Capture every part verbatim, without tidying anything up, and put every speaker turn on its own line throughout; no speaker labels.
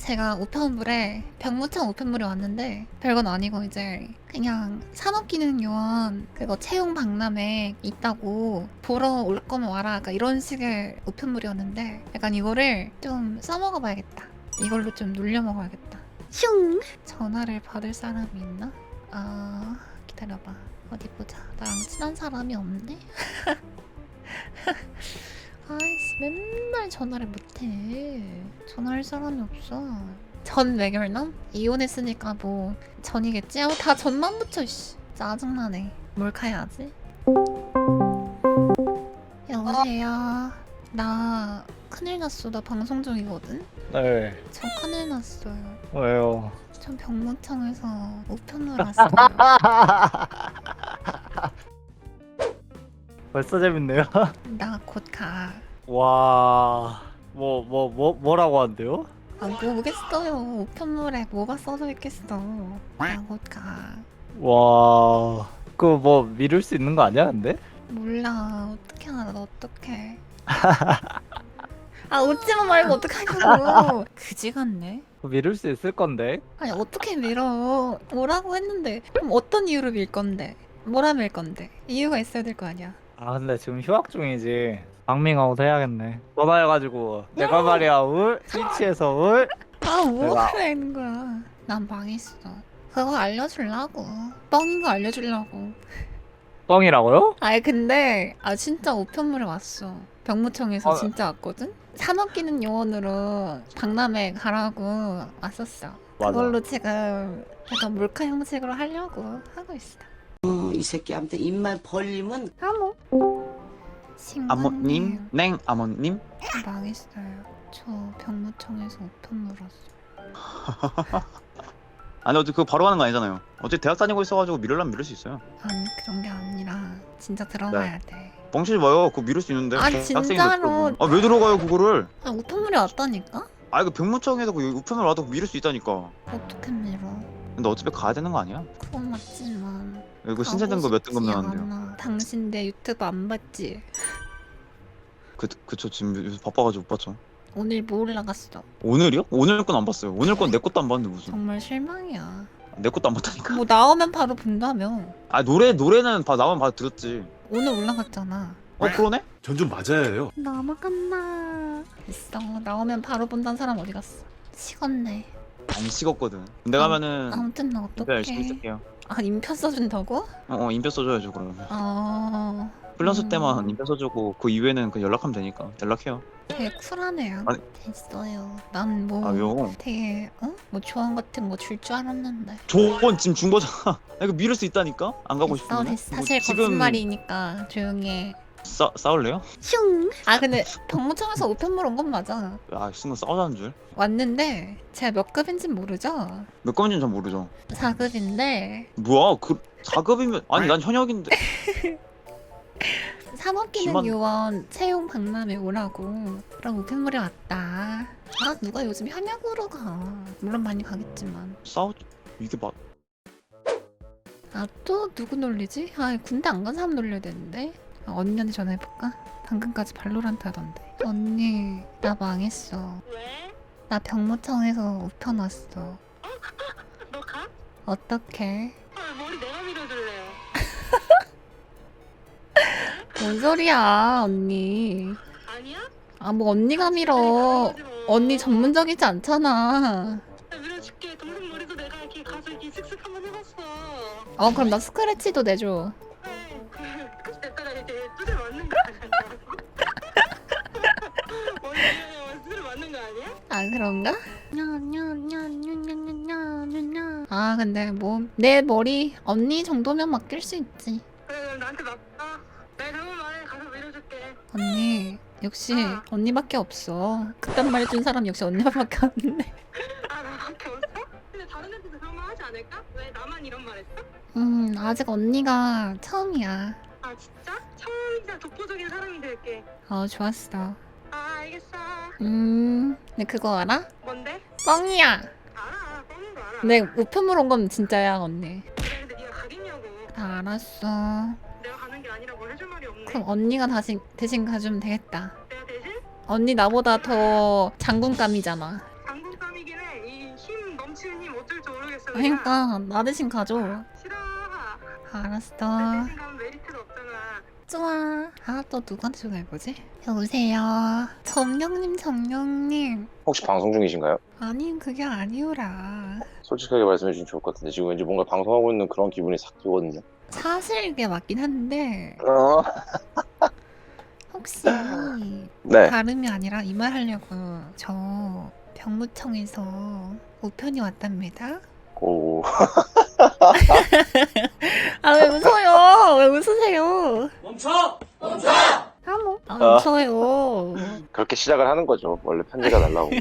제가 우편물에 병무청 우편물이 왔는데 별건 아니고 이제 그냥 산업기능요원 그거 채용 박람회 있다고 보러 올 거면 와라 약간 이런 식의 우편물이었는데 약간 이거를 좀 써먹어 봐야겠다. 이걸로 좀 눌려 먹어야겠다. 슝! 전화를 받을 사람이 있나? 아 기다려봐. 어디 보자. 나랑 친한 사람이 없네? 아이씨 맨날 전화를 못해. 전화할 사람이 없어. 전 외결남? 이혼했으니까 뭐 전이겠지? 아, 다 전만 붙여 씨. 짜증나네. 몰카해야지. 여보세요. 나 큰일 났어. 나 방송 중이거든?
네.
저 큰일 났어요.
왜요?
전 병무청에서 우편물 왔어요.
벌써 재밌네요.
나 곧 가.
와, 뭐, 뭐, 뭐, 뭐라고 한대요?
아 모르겠어요. 우편물에 뭐가 써져 있겠어. 나 곧 가.
와, 그거 뭐 미룰 수 있는 거 아니야, 근데?
몰라. 어떻게 알아? 나 어떡해. 아 웃지마 말고 어떡하냐고. 그지 같네.
그거 미룰 수 있을 건데.
아니 어떻게 밀어. 뭐라고 했는데. 그럼 어떤 이유로 밀 건데. 뭐라 밀 건데. 이유가 있어야 될 거 아니야.
아, 근데 지금 휴학 중이지. 방밍아웃 해야겠네. 전화해가지고 내가 말이야, 울 스위치에서 울.
아 뭐
내가-
그러는 거야. 난 망했어. 그거 알려주려고. 뻥인 거 알려주려고.
뻥이라고요?
아니 근데 아 진짜 우편물에 왔어. 병무청에서
아,
진짜 왔거든? 산업기능 요원으로 박람회 가라고 왔었어.
맞아.
그걸로 지금 약간 몰카 형식으로 하려고 하고 있어.
어, 이 새끼한테 입만 벌리면
아모.
아모님? 냉 아모님?
망했어요. 저 병무청에서 우편물 왔어.
아니 어차피 그거 바로 하는 거 아니잖아요. 어차피 대학 다니고 있어가지고 미룰라면 미룰 수 있어요.
아니 그런 게 아니라 진짜 들어가야 돼.
뻥치지 마요. 그거 미룰 수 있는데.
아니,
대학생인데
진짜로.
그거. 아 왜 들어가요 그거를?
아 우편물이 왔다니까?
아 이거 병무청에서 그 우편을 와도 미룰 수 있다니까.
어떻게 밀어?
근데 어차피 가야 되는 거 아니야?
그건 맞지만.
이거 신세 등급 몇 등급
가고 싶지
나왔는데요.
않아. 당신 내 유튜브 안 봤지?
그 그쵸 지금 요새 바빠가지고 못 봤죠.
오늘 뭐 올라갔어?
오늘이요? 오늘 건 안 봤어요. 오늘 건 내 것도 안 봤는데 무슨?
정말 실망이야.
내 것도 안 봤다니까.
뭐 나오면 바로 본다며.
아 노래 노래는 봐 나만 봐도 들었지.
오늘 올라갔잖아.
어 그러네?
전 좀 맞아요.
넘어갔나? 됐어. 나오면 바로 본다는 사람 어디 갔어? 식었네.
안 식었거든. 근데 가면은
아무튼 나
인표 열심히
어떡해.
쓸게요.
아 인표 써준다고?
어, 어 인표 써줘야죠 그러면.
어...
플러스
음.
때만 인표 써주고 그 이후에는 그 연락하면 되니까 연락해요.
되게 쿨하네요.
아니.
됐어요. 난 뭐
아요.
되게 어? 뭐 조언 같은 거 줄 줄 알았는데.
조언 지금 준 거잖아. 아, 이거 미룰 수 있다니까? 안 가고
됐어,
싶으면.
됐어. 사실 거짓말이니까 조용히 해.
싸 싸울래요?
슝. 아 근데 병무청에서 우편물 온 건 맞아.
아 순간 싸우자는 줄.
왔는데 제가 몇 급인진 모르죠?
몇 건인지 잘 모르죠.
사 급인데
뭐야 그 사 급이면 아니 난 현역인데.
산업기능요원 채용 박람회 오라고 그럼 우편물이 왔다. 아 누가 요즘 현역으로 가. 물론 많이 가겠지만.
싸우 이게 맞.
아 또 누구 놀리지? 아 군대 안 간 사람 놀려야 되는데. 아, 언니한테 전화해볼까? 방금까지 발로란트 하던데. 언니 나 망했어.
왜?
나 병무청에서 우편 왔어.
너 가?
어떡해?
아, 머리 내가 밀어줄래.
뭔 소리야 언니.
아니야?
아 뭐 언니가 밀어.
밀어주지 뭐.
언니 전문적이지 않잖아.
나 밀어줄게. 동생 머리도 내가 이렇게 가서 이렇게 슥슥 한번 해봤어.
어 그럼 나 스크래치도 내줘.
그래. 그치 됐다. 이제 두대 맞는 거 아니야? 머리 두대 맞는 거 아니야?
아 그런가? 아 근데 뭐 내 머리 언니 정도면 맡길 수 있지.
그래 그럼 나한테 맡겨. 내가 잘못 말해 가서 밀어줄게.
언니 역시
아.
언니밖에 없어. 그딴 말 해준 사람 역시 언니밖에 없네.
아 나밖에 없어? 근데 다른 애들도 그런 말 하지 않을까? 왜 나만 이런 말 했어?
음 아직 언니가 처음이야.
아 진짜? 처음이자 독보적인 사람이 될게.
어 좋았어.
아 알겠어.
음 근데 그거 알아?
뭔데?
뻥이야.
알아. 뻔한 거 알아.
내 우편물 온 건 진짜야 언니.
그래 근데 네가 가겠냐고.
다 알았어.
내가 가는 게 아니라 뭘 해줄 말이 없네.
그럼 언니가 다시 대신 가주면 되겠다.
내가 대신
언니 나보다 더 장군감이잖아.
장군감이긴 해.
그러니까 나 대신 가져.
싫어.
알았어.
나 대신 가면 메리트가 없잖아.
좋아. 아, 또 누구한테 전화해보지? 여보세요. 점령님, 점령님.
혹시 방송 중이신가요?
아니, 그게 아니오라.
솔직하게 말씀해 주시면 좋을 것 같은데 지금 왠지 뭔가 방송하고 있는 그런 기분이 싹 들거든요.
사실 이게 맞긴 한데,
어?
혹시
네.
다름이 아니라 이 말 하려고 저 병무청에서 우편이 왔답니다.
오.
아, 왜 웃어요? 왜 웃으세요?
멈춰! 멈춰!
아, 뭐. 아, 왜
아.
웃어요?
그렇게 시작을 하는 거죠. 원래 편지가 날라오고.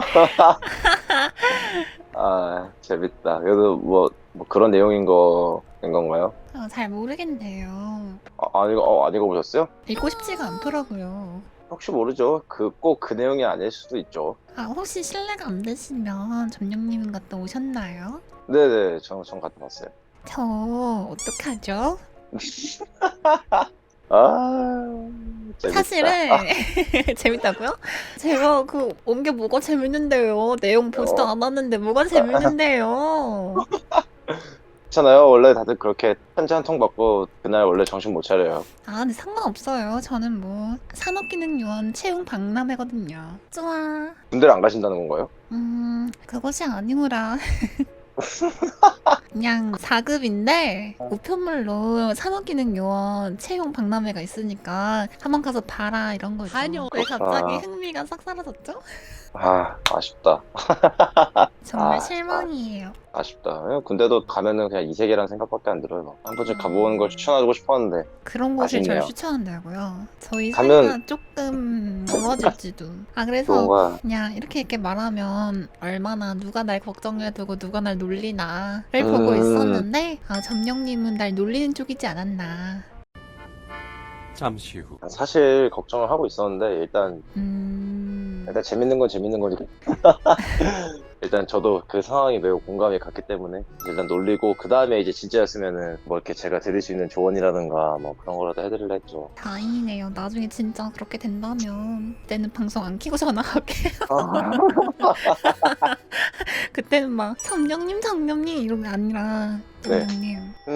아 재밌다. 그래도 뭐, 뭐 그런 내용인 거인 건가요?
아, 잘 모르겠네요.
아, 안 읽어 어, 안 읽어보셨어요?
읽고 싶지가 않더라고요.
혹시 모르죠. 그 꼭 그 내용이 아닐 수도 있죠.
아, 혹시 실례가 안 되시면 점령님 갔다 오셨나요?
네네. 전, 전 갔다 왔어요.
저 어떡하죠?
아 재밌다.
사실은 재밌다고요? 제가 그 온 게 뭐가 재밌는데요? 내용 보지도
어.
않았는데 뭐가 재밌는데요?
괜찮아요. 원래 다들 그렇게 편지 한 통 받고 그날 원래 정신 못 차려요.
아, 근데 상관없어요. 저는 뭐 산업기능요원 채용 박람회거든요. 좋아.
군대를 안 가신다는 건가요?
음, 그것이 아니오라. 그냥 사 급인데 우편물로 산업기능요원 채용 박람회가 있으니까 한번 가서 봐라 이런 거죠. 아니요. 왜 갑자기
아.
흥미가 싹 사라졌죠?
아 아쉽다.
정말
아,
실망이에요.
아쉽다. 그냥 군대도 가면은 그냥 이 세계라는 생각밖에 안 들어요. 한 번쯤
음.
가보는 걸 추천하고 싶었는데.
그런 곳을 저를
아쉽네요.
추천한다고요. 저희
가면-
사이가 조금 멀어질지도. 아, 그래서
뭔가
그냥 이렇게 이렇게 말하면 얼마나 누가 날 걱정해두고 누가 날 놀리나를
음.
보고 있었는데, 아, 점령님은 날 놀리는 쪽이지 않았나.
잠시 후.
사실 걱정을 하고 있었는데 일단
음...
일단 재밌는 건 재밌는 거니까. 일단 저도 그 상황이 매우 공감이 갔기 때문에 일단 놀리고 그 다음에 이제 진짜였으면은 뭐 이렇게 제가 드릴 수 있는 조언이라든가 뭐 그런 거라도 해드릴라 했죠.
다행이네요. 나중에 진짜 그렇게 된다면 그때는 방송 안 켜고 전화할게요. 그때는 막 점령님, 점령님 이런 게 아니라
네.
점령님.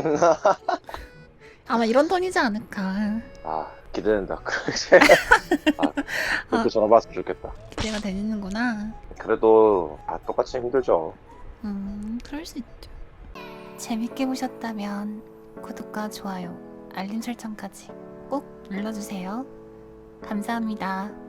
아마 이런 톤이지 않을까.
아 기대된다. 아, 그렇게 전화 받았으면 좋겠다.
기대가 되는구나.
그래도 다 똑같이 힘들죠.
음, 그럴 수 있죠. 재밌게 보셨다면 구독과 좋아요, 알림 설정까지 꼭 눌러주세요. 감사합니다.